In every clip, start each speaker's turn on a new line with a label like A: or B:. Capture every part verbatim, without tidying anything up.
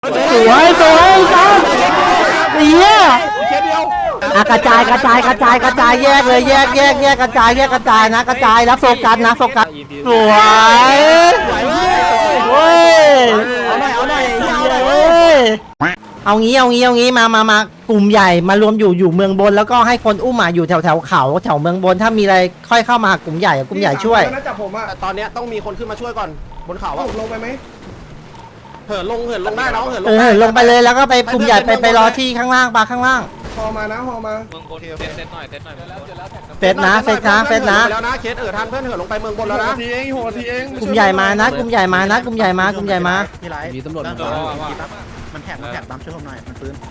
A: สวยสวยครับเฮียอ่ะกระจายกระจายกระจายกระจายแยกเลยแยกแยกแยกกระจายแยกกระจายนะกระจายแล้วโฟกัสนะโฟกัสสวยเว้ยเอาหน่อยเอาหน่อยเว้ยเอางี้เอางี้เอางี้มามามากลุ่มใหญ่มารวมอยู่อยู่เมืองบนแล้วก็ให้คนอุ้มมาอยู่แถวแถวเขาแถวเมืองบนถ้ามีอะไรค่อยเข้ามากลุ่มใหญ่กลุ่มใหญ่ช่วย
B: น่าจะผมอะ
C: ตอนนี้ต้องมีคนขึ้นมาช่วยก่อนบนเขา
B: ผมลงไปไหม
C: เหินลงเหินลงได้น้องเหินลง
A: เออลงไปเลยแล้วก็ไปกลุ่มใหญ่ไปไปรอที่ข้างล่างปาข้างล่าง
B: ฮอมานะฮอมา
D: เมืองบนเซตเซตหน่อยเซตหน่อย
A: เฟสนะเฟสนะเฟสนะ
C: แล้วนะเคสเออทันเพื่อนเหินลงไปเมืองบนแล้วนะ
B: ทีเองหัวทีเอง
A: กลุ่มใหญ่มานะกลุ่มใหญ่มานะกลุ่มใหญ่มากลุ่มใหญ่มา
E: มีตำรวจมันแท็กมันแท็กตามช่วยผมหน่อยมันปืน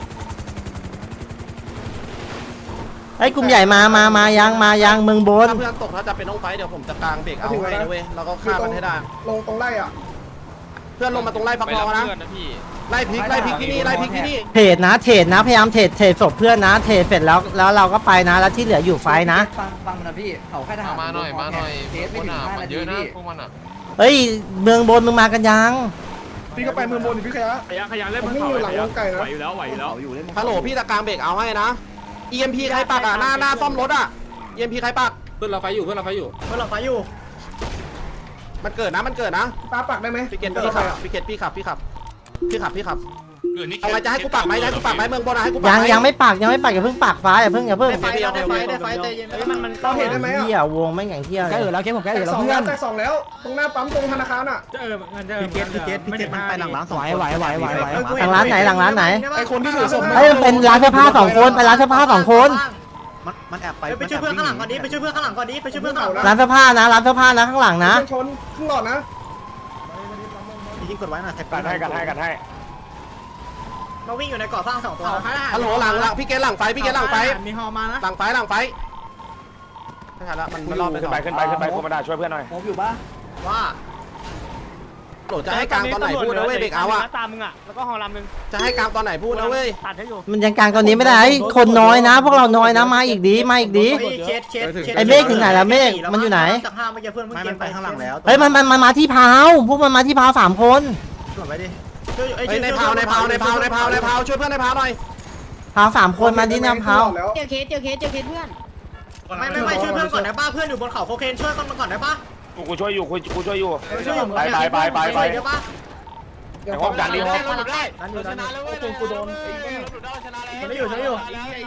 A: ไอ้กลุ่มใหญ่มามามายังมายังเมืองบน
C: ถ้าเพื่อนตกถ้าจะเป็นน้องไฟเดี๋ยวผมจะกางเบรกเอาให้นะเว้ยแล้วก็ฆ่ามันให้ได้
B: ลงตรงไล่อ่ะ
C: เพื่อนลงมาตรงไล่ฟักทองนะไล่พลิกไล่พลิกที่นี่ไล่พลิกที่นี่
A: เทรดนะเทรดนะพยายามเทรดเทรดศพเพื่อนนะเทรดเสร็จแล้วแล้วเราก็ไปนะแล้วที่เหลืออยู่ไฟนะ
E: ฟังฟังมันนะพี่เขาแค่ทหาร
D: มาหน่อยมาหน่อย
E: เคสไม่ถึงห้านาทีพี่
D: พวกมันอ่ะ
A: เฮ้ยเมืองบนมึงมากันยัง
B: พี่ก็ไปเมืองบนพี่ขยะ
F: ขยันขยันเล่น
B: ผมนี่อยู่หลังวงไก่นะ
F: ไหวอยู่แล้วไหวอยู่แล้ว
C: ฮัลโหลพี่จะกางเบรกเอาให้นะ อี เอ็ม พี ใครปักอ่ะหน้าหน้าซ่อมรถอ่ะ อี เอ็ม พี ใครปัก
F: เพื่อนเราไฟอยู่เพื่อนเราไฟอยู่
C: เพื่อนเราไฟอยู่มันเกิดนะมันเกิดนะ
B: ตาปักได้ไหม
C: พี่เกตพี่ขับพี่เกตพี่ขับพี่ขับพี่ขับพี่ขับเอาไงจะให้กูปักไหมให้กูปักไหมเมืองบนให้กูปัก
A: ยังยังไม่ปากยังไม่ปากอย่าเพิ่งปากฟ้าอย่าเพิ่งอย่าเพิ่ง
C: ได้ไฟได้ไฟได้ไฟใจเย็นมันมัน
B: เราเห็นได้ไหมอ่ะ
A: เที่ยววงไม่แข่งเที่ยว
E: แกเออแล้วเคสผมแกเออแล้ว
B: สอง
E: เพื่
B: แล้
E: อ
B: วน แต่สองแล้วตรงหน้าปั๊มตรงธนาคารอ่ะ
F: เออมันจะ
E: พี่เกตพี่เกตพี่เกตมันไปหลังร้านสองไหวไหวไหวไหว
A: หลังร้านไหนหลังร้านไหน
B: ไอคนที่ถือศพ
A: เฮ้ยมันเป็นร้านเสื้อผ้าสองคนไปร้านเสื้อผ้าสองคน
E: มันมันแอบไป
C: ไปช่วยเพื่อนข้างหลังก่อนดิไปช่วยเพื่อนข้างหลังก่อนดิไปช่วยเพื่อนข้างหลัง
A: ร้านเสื้อผ้านะร้านเสื้อผ้านะข้างหลังนะ
B: ชนครึ่งหลอดนะ
E: ยิงกดไว้หน่อยแท็ก
F: กันให้กันให้กันให้
C: เราวิ่งอยู่ในก่อสร้างสองตัวฮัลโหลหลังหลังพี่เกตหลังไฟพี่เกตหลังไฟ
F: มีฮอมานะ
C: หลังไฟหลังไฟไม่ทันละมันมันรอบไป
F: ขึ้นไปขึ้นไปขึ้นไปโคมาดาช่วยเพื่อนหน่อย
E: ผมอยู่บ้า
C: ว่าโหลจะให้กลางตอนไหนพูดนะเว้ยเบรกเอาอะ
F: ตามมึงอ่ะแล้วก็ฮอลำนึง
C: จะให้กลางตอนไหนพูดนะเว้ย
F: ตัดให้อยู่
A: มันยังกลางตอนนี้ไม่ได้คนน้อยนะ พวกเราน้อยนะมาอีกดีมาอีกดี
C: เคสเคส
A: ไอ้เมฆถึงไหนแล้วเมฆมันอยู่ไหน
C: จากห้าเมื่อกี้เพื่อนเมื่อ
E: ไม่
C: กี้
E: มันไปข้างหลังแล้ว
A: เฮ้ยมันมันมันมาที่พาวพวกมันมาที่พาวสามคน
E: กดไว้ดิ
C: ในพาวในพาวในพาวในพาวในพาวช่วยเพื่อนในพาวหน่อย
A: พาวสามคนมาที่น้ำพาว
B: แล้ว
G: เจอเคสเจอเคสเจอเคสเพื่อน
C: ไม่ไม่ไม่ช่วยเพื่อนก่อนได้ป่ะเพื่อนอยู่บนเขาโคเคนช่วยก่อนได้ป่ะ
F: กูช่วยอยู่กูช่วยอยู่
C: ช่วยอยู่
F: ไปไปไปไปไป
C: ได้ป่ะ
F: แต่ว่าดันดีฮอ
C: ได้ชนะแล้วเว้ยกูโดนชนะอยู่ชนะอยู่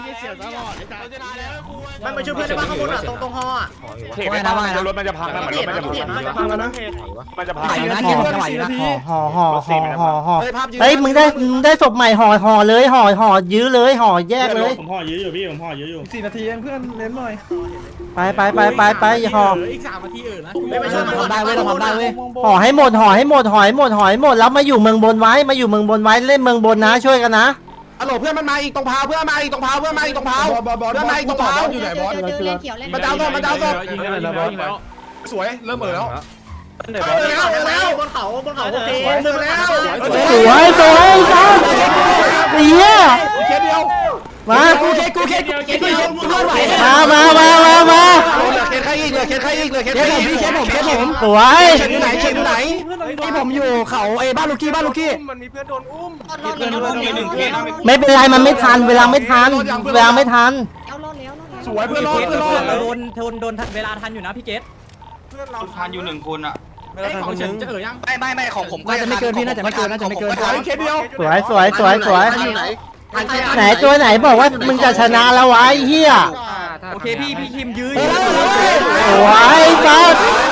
C: ไม่ไปช่วยเพื่อนได้ป่ะข้างบนอ่ะตรงตรงฮออ่ะ
F: เทไม่ได้รถมันจะพังนะมันรถมันจะพัง
B: พังแล้วนะ
F: มันจะพัง
A: ห่อห่อห่อห่อห่อเฮ้ยมึงได้มึงได้ศพใหม่ห่อห่อเลยห่อห่อยื้อเลยห่อแยกเลย
F: ผมห่อเยอะอยู่พี่ผมห่อเยอะอยู่
B: สี่นาทีเองเพื่อนเน้นหน่อย
A: ไปไปไปไปไปห่อ
F: อีกสามนาทีเออนะ
C: ไม่ช่วยมันได้เว้ยเราทำได้เว้ย
A: ห่อให้หมดห่อให้หมดห่อให้หมดห่อให้หมดแล้วมาอยู่เมืองบนไว้มาอยู่เมืองบนไว้เล่นเมืองบนนะช่วยกันนะ
C: ฮัลโหลเพื่อนมันมาอีกตรงพาวเพื่อนมาอีกตรงพาวเพื่อนมาอีกตรงพาว
B: บอลบอล
C: เพื่อนมาอีกตรงพาว
B: อยู่ไหนบอส
G: เจอเจอเล่นเขียวเล่น
C: มาดาวโดนมาดาวโดน
F: ยิงแล้วยิงแล้วยิงแล้ว
B: สวยเริ่มเออแล้ว
C: แล้วแล้วบนเขาบนเขาโอเคเจอแล้ว
A: สวยสวยครับเฮีย
B: เคสเดียว
A: มา
C: กูเคกูเคกูเคกูเคกูรอดไหว
A: มามามามามา
C: เหลือเคใครอีกเหลือเคใครอีกเหลือเคใครอีกเคผมเคผม
A: สวย
C: เคอยู่ไหนเคอยู่ไหน
E: ที่ผมอยู่เขาเอบ้านลูกี้บ้านลูกี้
B: มันมีเพื่อนโดนอุ้ม
G: รอดแล้วรอดแล้ว
A: ไม่เป็นไรมันไม่ทันเวลาไม่ทันเวลาไม่ทัน
G: เอารอดแล้วรอดแล้ว
B: สวยเพื่อนรอดเพื่อนรอด
E: โดนโดนโดนเวลาทันอยู่นะพี่เกต
B: เพื่อนเรา
D: ทานอยู่หนึ่งคนอ่ะ
F: ของฉันจะเออยัง
D: ไม่ไม่ไม่ของผม
E: น่าจะไม่เกินพี่น่าจะไม่เกินน่าจะไม่เกิน
B: สวยเคสเดียว
A: สวยสวยสวยสวยไหนตัวไหนบอกว่ามึงจะชนะแล้ววะไอ้เฮีย
E: โอเคพี่พี่คิมยื้อ
A: สวยครับ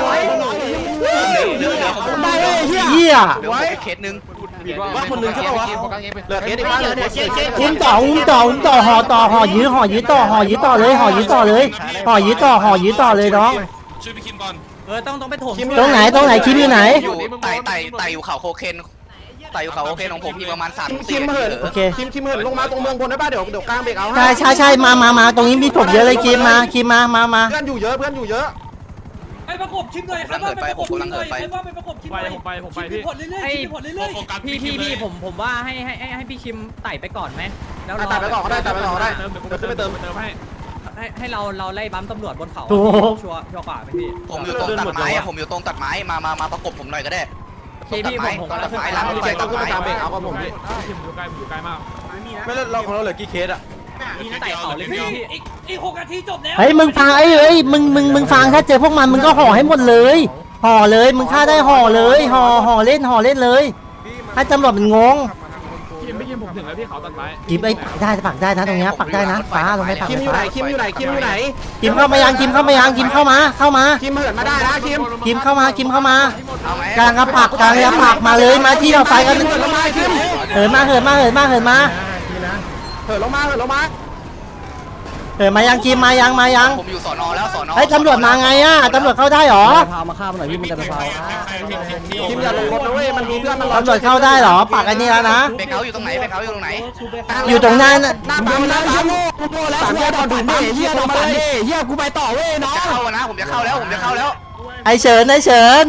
E: ได้เลยเฮีย
A: เฮีย
D: เหลือเคสหนึ่ง
C: ว่าคนนึงใช่ป่าวะเหลือเคอีกบ้านเหลือเคเค
A: อุ้มต่ออุ้มต่ออุ้มต่อห่อต่อห่อยื้อห่อยื้อต่อห่อยื้อต่อเลยห่อยื้อต่อเลยห่อยื้อต่อห่อยื้อต่อเลยน้อง
D: ช่วยพี่คิมก่อน
E: เออต้องต้องไปถม
A: ตรงไหนตรงไหนคิมอยู่ไหน
D: อยู่ไต่ไต่ไต่อยู่เขาโคเคนไต่อยู่เขาโคเคนของผมมีประมาณสาม
C: คิ
D: สี่
C: มเหิน
A: โอเค
C: คิมคิมเหินลงมาตรงเมืองบนได้ป่ะเดี๋ยวเดี๋ยวกลางเบรกเอา
A: ใช่ใช่ใช่มามามาตรงนี้มีศพเยอะเลยคิมมาคิมมามามา
C: เพื่อนอยู่เยอะเพื่อนอยู่เยอะ
H: ไปประกบชิปหน่อยครับว่าไปประกบชิปหน่อยว่าไปประกบชิปห
F: ไป
H: น่อย
F: ผมไปผมไป
H: ชิป
F: พี่
H: ผลเรื่อยๆชิปผลเรื่อย
E: พี่พี่พี่ผมผมว่าให้ให้ให้พี่คิมไต่ไปก่อนไหมแล้ว
C: ตัดไปก่อนก็ได้ตัดไปก่อนก็ได้
F: เติมเดี๋ยวผม
C: เดี๋ยวขึ้นไปเติม
F: เติมให้
E: ให้ให้เราเราไล่บัมตำรวจบนเขา
A: ถูก
E: ชัวร์ชัวร์กว่าไหมพี่
D: ผมอยู่ตรงตัดไม้อะผมอยู่ตรงตัดไม้มามามาประกบผมหน่อยก็ได้
C: โอเค
D: ตรงตัดไม้ตรงตัดไม้ล้างรถไฟตัดไม้
C: เบรกเอากับผมพี่
B: ไม่เราของเราเหลือกี่เคสอ่ะ
E: มีไต่เขาเลยพี่
H: อีกอีกหกนาทีจบแล้ว
A: เฮ้ยมึงฟังไอ้เอ้ยมึงมึงมึงฟังถ้าเจอพวกมันมึงก็ห่อให้หมดเลยห่อเลยมึงฆ่าได้ห่อเลยห่อห่อเล่นห่อเล่นเลยให้ตำรวจมันงง
F: คิมไม่คิมผมถึงแล้วพี่เขาตัดไม้
A: กิมไอ้ปักได้ปักได้นะตรงเนี้ยปักได้นะฟ้าลงไปปัก
C: คิมอยู่ไหน
A: ฟ้า
C: คิมอยู่ไหนคิมอยู่ไหน
A: กิมเข้ามายังกิมเข้ามายังกิมเข้ามาเข้ามา
C: คิมเหินมาได้นะคิม
A: กิมเข้ามากิมเข้ามา
D: เอาไหม
A: กลางกระปักกลางกระปักมาเลยมาที่เราไฟกัน
C: เหินลงมาคิม
A: เหินมาเหินมาเหินมาเหินมา
C: เหินลงมาเหินลงมา
A: เหินมายังกิมมายังมายัง
D: ผมอยู่สอนอแล้วสอนอ
A: ไอ้ยตำรวจมาไงอ่ะตำรวจเข้าได้หรอ
C: พามาฆ่ามันหน่อยพี่มันจะไปพาคิมอย่าลงรถนะเว้ยมันมีเพื่อนมันรอ
A: ตำรวจเข้าได้หรอปักไอ้นี่แล้วนะ
D: เบรกเขาอยู่ตรงไหนเบรกเขาอยู่ตรงไหน
A: อยู่ตรงนั้น
C: หน้าปั๊มหน้าปั๊มกูโง่แล้วกูโดนดูดเฮียลงมาเลยเฮียกูไปต่อเว้ยน้อง
D: จะเข้านะผมจะเข้าแล้วผมจะเข้าแล้ว
A: ไอ้เฉินไอ้เฉิน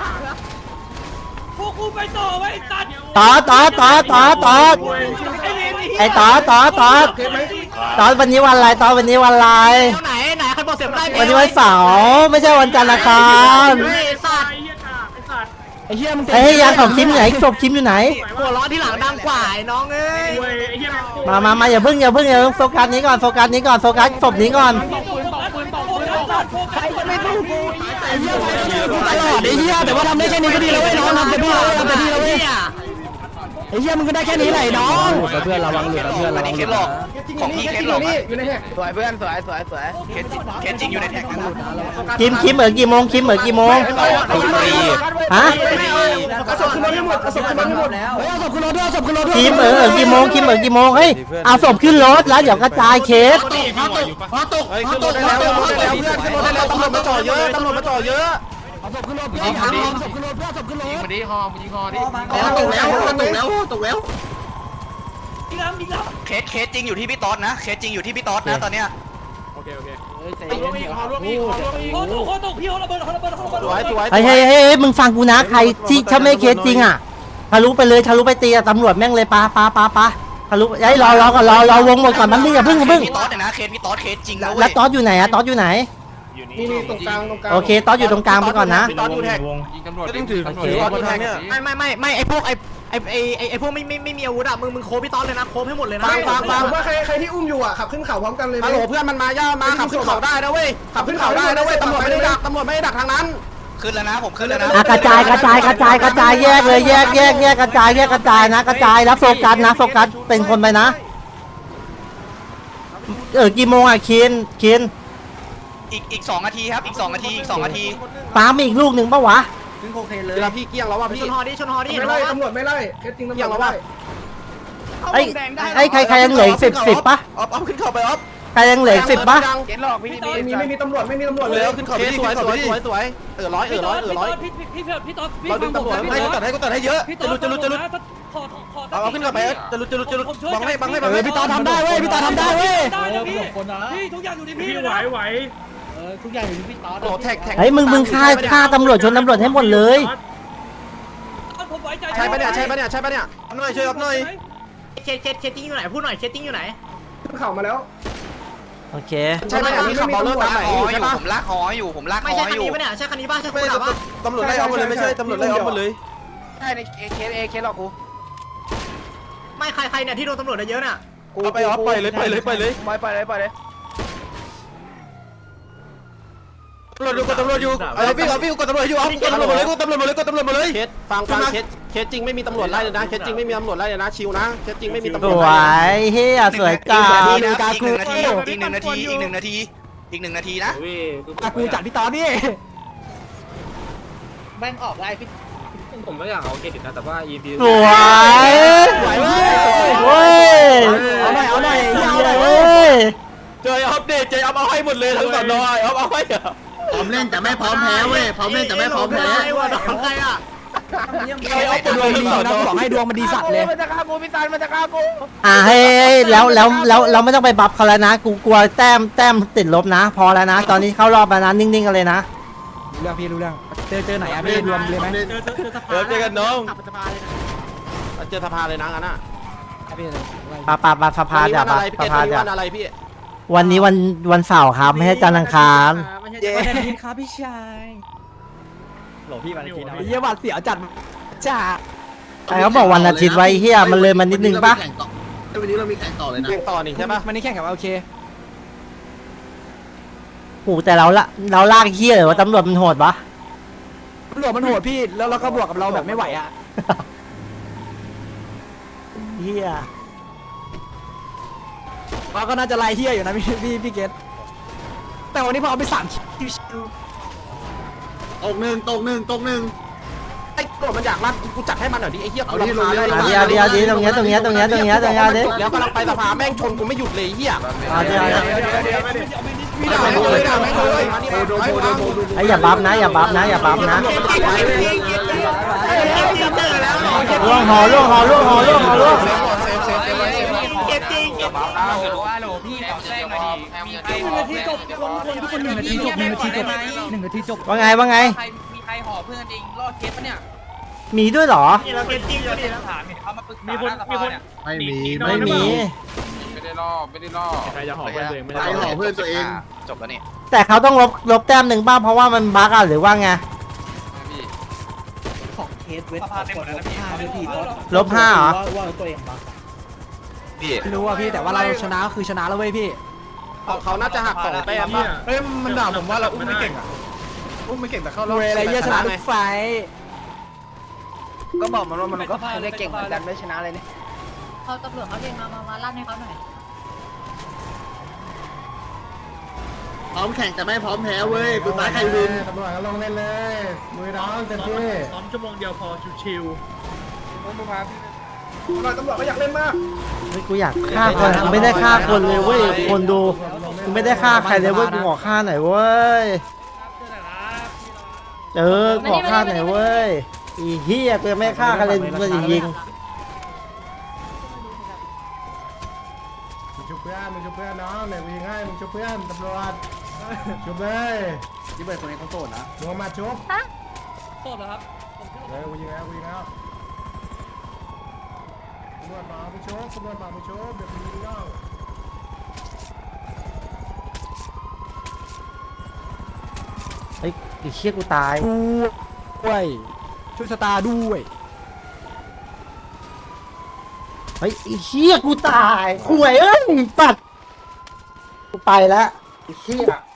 H: พวกกูไปต่อไว้ตัด
A: ต่อต่อต่อต่อต่อไอ้ต่อต่อต่อต่อวันนี้วันอะไรต่อวันนี้วันอะไร
C: ไหนไหนใครบอกเสียงได้
A: วันนี้วันเสาร์ไม่ใช่วันจันทร์อังคาร
C: ไอ้เฮียมึง
A: ไอ้ยยังศพคิมอยู่ไหนศพคิมอยู่ไหน
C: หัวร้อนที่หลังดังกว่าไอ้น้องเอ้ย
A: มามามาอย่าเพิ่งอย่าเพิ่งอย่าเพิ่งโฟกัสนี้ก่อนโฟกัสนี้ก่อนโฟกัสศพนี้ก่อน
H: ปืนต่อปืนต่อปืนต่อใครจะไม่รู้กู
C: ไอ้เฮียกูตลอดไอ้เฮียแต่ว่าทำได้แค่นี้ก็ดีแล้วเว้ยน้องทำเต็มที่แล้วทำเต็มที่แล้วเว้ยไอ้เฮียมึงก็ได้แค่นี้แหละน้องเพื่อนระวังเหลือเพื่อน
D: อันนี้เคสหลอกของพี่เคสหลอกอะ
C: สวยเพื่อนสวยสวยสวย
D: เคสเคสจริงอยู่ในแท็กนะ
A: คิมคิมเออกี่โมงคิมเออกี่โมงฮะ
C: กระสอบขึ้นรถให้หมดกระสอบขึ้นรถให้หมดเฮ้ยเอาศพขึ้นรถด้วยเอาศพขึ้นรถด้วย
A: คิมเออเออกี่โมงคิมเออกี่โมงเฮ้ยเอาศพขึ้นรถแล้วเดี๋ยวกระจายเคส
C: ฮอตกฮอตกได้แล้วขึ้นรถได้แล้วเพื่อนขึ้นรถได้แล้วตำรวจมาจ่อเยอะตำรวจมาจ่อเยอะเอาศพขึ้นรถเพื่อนเอาศพขึ้นรถเพื่อนศพขึ้นรถมาดิฮอมยิงฮอดิตกแล้วตกแล้วตกแล้ว
H: ยิงแล้วยิงแล้ว
D: เคสเคสจริงอยู่ที่พี่ต๊อดนะเคสจริงอยู่ที่พี่ต๊อดนะตอนเนี้ย
F: โอเคโอเค
H: โคตรโคตรพี่เขาระเบิดเขาระเบิดเขาระเบิด
C: สวยสวย
A: เฮ้ยเฮ้ยเฮ้ยมึงฟังกูนะใครที่ถ้าไม่เคสจริงอ่ะทะลุไปเลยทะลุไปตีตำรวจแม่งเลยปาปาปาปาทะลุไอ้รอรอก่อนรอรอวงหมดก่อนมันนี่อย่าเพิ่งอย่าเพิ่ง
D: พี่ต๊อดเนี่ยนะเคสพี่ต๊อดเคสจริงนะ
A: แล้
D: เว้
A: วย ตอสอยู่ไหนอะตอสอยู่ไหน
C: นี่นี่ตรงกลางตรงกลาง
A: โอเคตอสอยู่ตรงกลางไปก่อนนะ
C: ตอนอยู่แท็ก
F: ยิงตำรวจ
B: ก็ต้องถือถือว่าทางเนี้ย
C: ไม่ไม่ไม่ไม่ไอพวกไอไอไอไอไอพวกไม่ไม่ไม่มีอาวุธอะมึงมึงโคพี่ต้อนเลยนะโคให้หมดเลยนะฟังฟังฟังว่าใครใครที่อุ้มอยู่อะขับขึ้นเขาพร้อมกันเลยฮัลโหลเพื่อนมันมาย่ามาขับขึ้นเขาได้นะเว้ยขับขึ้นเขาได้นะเว้ยตำรวจไม่ได้ดักตำรวจไม่ได้ดักทางนั้น
D: ขึ้นแล้วนะผมขึ้นแล้วนะ
A: อ่ะกระจายกระจายกระจายกระจายแยกเลยแยกแยกแยกกระจายแยกกระจายนะกระจายแล้วโฟกัสนะโฟกัสเป็นคนไปนะเออกี่โมงอะคินคิน
D: อีกอีกสองนาทีครับอีกสองนาทีอีกสองนาที
A: ปามีอีกลูกหนึ่งปะวะ
C: เวลาพี่เกี้ยงแล้วว่ะพี่ชนฮอดิชนฮอดิไม่ไล่ตำรวจไม่ไล่แค่จริงตำรวจเกี้ยงแล้วว่ะ
A: ไอ้ไอ้ใครใครยังเหลืออีกสิบสิบปะ
B: ออฟออฟขึ้นเขาไปออฟ
A: ใครยังเหลืออีกสิบปะ
C: เกี้ยงหลอกพี่ไม่มีไม่มีตำรวจไม่มีตำรวจเลยขึ้นเขาไปสวยสวยสวยสวยเออร้อยเออร้อยเออร้อย
H: พี่พี่พี่พี่ต๊อดพี่
B: เราดึ
H: ฟั
B: ง
H: งผม
B: ตำรวจ
H: นะ
B: ให้
H: พี่
B: กู
H: ต๊
B: ตั
H: อ
B: ด
H: ด
B: ให้กูตัดให้เยอะ
H: พี่
B: จะลุดจะลุดจะลุด
H: ขอขอ
B: เอาเอาขึ้นเขาไปจะลุดจะลุดจะลุดบังให้บังให้บัง
C: เอ
B: ให้
C: อพี่ตาทำได้เว้ยพี่ตาทำได้เว้ย
H: ได้นะพี่พี่ทุกอย่างอยู่ที่พี่
F: พี่ไหวไหว
C: โอ้แท็กแท็ก
A: ไอ้ยมึงมึงฆ่าฆ่าตำรวจชนตำรวจให้หมดเลย
H: ผมไว้ใจ
C: ใช่ปะเนี่ยใช่ปะเนี่ยใช่ปะเนี่ย
B: หน่อยช่วยออฟหน่อย
C: เคสเคสเคสติ้งอยู่ไหนพูดหน่อยเคสติ้งอยู่ไหน
A: โอเค
C: ใช่ปะเนี่ยมีขับเบลเลอร์ตามไหน
D: หอ
C: ใช่
D: อยู่
C: ปะ
D: ผมลากหออยู่ผมลากห
C: ไม่
D: อ
C: ใช่คัน
D: อยู่
C: นี้ปะเนี่ยใช่คันนี้ป่ะใช่คัน
B: ไม่
C: นี้ป่ะ
B: ตำรวจไล่ออฟมาเลยไม่ใช่ตำรวจไล่ออฟมาเลย
D: ใช่ในเคสเอเคสหรอกกู
C: ไม่ใครใครเนี่ยที่โดนตำรวจเยอะน่ะ
B: เอาไปออฟไปเลยไปเลยไปเลย
D: ไปไปเลยไปเลย
B: ตำรวจอยู่กดตำรวจอยู่เออพี่ออฟพี่กดตำรวจอยู่ออฟกดตำรวจมาเลยกดตำรวจมาเลยกดตำรวจมาเลย
C: เคสฟังฟังเคสเคสจริงไม่มีตำรวจไล่เลยนะเคสจริงไม่มีตำรวจไล่เลยนะชิวนะเคสจริงไม่มีตำร
A: ส
C: วจ
A: ว
C: ไล่
A: ยเฮียสวยจั
D: อี
A: ง
D: กหนึ่งนาทีอีกหนึ่งนาทีอีกหนึ่งนาทีอีกหนึ่งนาทีอีกหนึ่งนาทีนะ
C: กูจัดพี่ตอนนี่
E: แม่งออกได้พี่
F: ผมไม่อยากเอาเครดิตนะแต่ว่า อี พี
A: สวยสวยเว้ย
C: เอาหน่อยเอาหน่อย
A: เว้ย
B: เจอออฟเดเจอออฟเอาให้หมดเลยทั้งสอนอยออฟเอาให้
I: พร้อมเล่นแต่ไม่พร้อมแพ้เว้ยพร้อมเล่นแต่ไม่พร้อมแพ้
C: ไอ้วะน้องใครอ่ะ
B: ไอ้ออฟดวงดีนะ
C: บอกให้ดวงมันดีสัตว์เลย
A: อ่ะให้ให้แล้วแล้วแล้วเราไม่ต้องไปบัฟเขาแล้วนะ กูกลัวแต้มแต้มติดลบนะ พอแล้วนะ ตอนนี้เข้ารอบแล้วนะนิ่งๆกันเลยนะ
C: รู้เรื่องพี่รู้เรื่องเจอเจอไหนอ่ะพี่รวมเลยไหม
F: เจอเจอเจอสภา
B: เดี๋ยวเจอกันน้อง
C: เจอสภาเลยนะงั้นอ่ะ
A: ปาปาปาสภา
C: วันนี้
A: จ้ะ
C: วัน
A: ปา
C: อะไรพี่
A: ส
C: เกศ
A: ภา
C: วันนี้
A: จ้ะ
C: วันอะไรพี่
A: วันนี้วันวันเสาร์ครับไม่ใช่จันทร์อังคาร
E: ไม่ใช่วันอาทิตย์ครับพี่ชายโหลพี่วันอาทิตย์นะ
C: เยี่ยบัตรเสียจัดจ้า
A: ไอ้เขาบอกวันอาทิตย์ไว้เฮียมันเลยมันนิดนึงปะ
I: วันนี้เรามีแข่งต่อเลยนะ
C: แข่งต่อนี่ใช่ปะวันนี้แข่งกับโอเค
A: โหแต่เราละเราลากเฮียเลยว่าตำรวจมันโหดปะ
C: ตำรวจมันโหดพี่แล้วเราก็บวกกับเราแบบไม่ไหวอ่ะ
A: เฮีย
C: เราก็น่าจะไล่เฮียอยู่นะพี่พี่พี่เกตแต่วันนี้พอเอาไปสาม
I: ตกหนึ่งตกหนึ่งตกหนึ่ง
C: ไอ้ตำรวจมันอยากรัดกูจัดให้มันหน่อยดิไอ้เฮีย
I: เอาที่ลงเยอะ
A: เอาดีเอาดีเอาดีตรงเนี้ยตรงเนี้ยตรงเนี้ยตรงเนี้ยตรงเนี้ยดิ
C: แล้วกำลังไปสภาแม่งชนกูไม่หยุดเลยเฮีย
A: เอาดีเอาดี
C: พี่ด่าไม่เลยด่าไม่เลย
A: ไอ้อย่าบัฟนะอย่าบัฟนะอย่าบัฟนะล่วงหอล่วงหอล่วงหอล่วงหอล่วง
D: เก็บจริงเก็บจริงฮัลโหลฮัลโหลพี่ขอแจ้งหน่อยดิมีใครหอบ
H: นาทีจบคนคนทุกคนหนึ่งนาทีจบหนึ่งนาทีจบหนึ่งนาทีจบ
A: ว่าไงว่าไง
D: ใครมีใครหอบเพื่อนเองรอดเคสปะเนี่ย
A: มีด้วยเหรอ
D: เราเก็บจริงเราเนี่ยถามเห็นเขามาปรึกษามีคนมีคน
I: ไม่มี
A: ไม่มี
D: ไม่ได้ล่อไม่ได้ล่อ
F: ใครจะหอบเพื่อนตัวเองไม่ได้
I: ใครหอบเพื่อนตัวเอง
D: จบแล้วนี่
A: แต่เขาต้องลบลบแต้มหนึ่งบ้างเพราะว่ามันบั๊กอะหรือว่าไง
D: พี่
H: ของเคสเวท
D: สภาพเต็มหมดแล้วนะพี่
H: ห้าด้วยพี่
A: ลบห้าเหรอ
H: ว่าตัวเองบัก
D: พี่
C: ไม่รู้อ่ะพี่แต่ว่าเราชนะคือชนะแล้วเว้ยพี่เขาน่าจะหักสองแต้มป่ะ
B: เฮ้ยมันด่าผมว่าเราอุ้มไม่เก่งอ่ะอุ้มไม่เก่งแต่เข้ารอบ
C: เวอะไรเยอะชนะทุกไฟ
H: ก็บอกมันว่ามันก็ไม่เก่งเหมือนกันไม่ชนะเลยนี่
G: เขาตำรวจเขาเรียนมามามาลั่นให้เขาหน่อย
I: พร้อมแข่งแต่ไม่พร้อมแพ้เว้ยสุดท้ายใครวิน
B: ตำรวจก็ลงเล่นเลยมือน้องเต็มที่
F: ซ้อมชั่วโมงเดียวพอชิว
B: ตำรวจก็อยากเล่นมาก
A: เฮ้ยกูอยากฆ่าคนกูไม่ได้ฆ่าคนเลยเว้ยคนดูกูไม่ได้ฆ่าใครเลยเว้ยกูขอฆ่าหน่อยเว้ยเออขอฆ่าหน่อยเว้ยอีเหี้ยกูยังไม่ฆ่าใครเลยมันจะยิง
B: มึงชุบเพื่อนมึงชุบเพื่อนน้องเนี่ยกูยิงให้มึงชุบเพื่อนตำรวจชุบเลยยี่เบิร์ดคนนี้เขาโสดนะมึงมาชุบ
H: โทษนะครับ
B: เฮ้ยกูยิงแล้วกูยิงแล้วตำรวจมาไปชุบตำรวจมาไปชุบเดี๋ยวกูยิงน้อง
A: เฮ้ยไอ้เหี้ยกูตาย
C: ด้วยช่วยสตาร์ด้วย
A: เฮ้ยไอ้เหี้ยกูตายข่วยเอ้ยปัดกูไปแล้วไอ้เหี้ย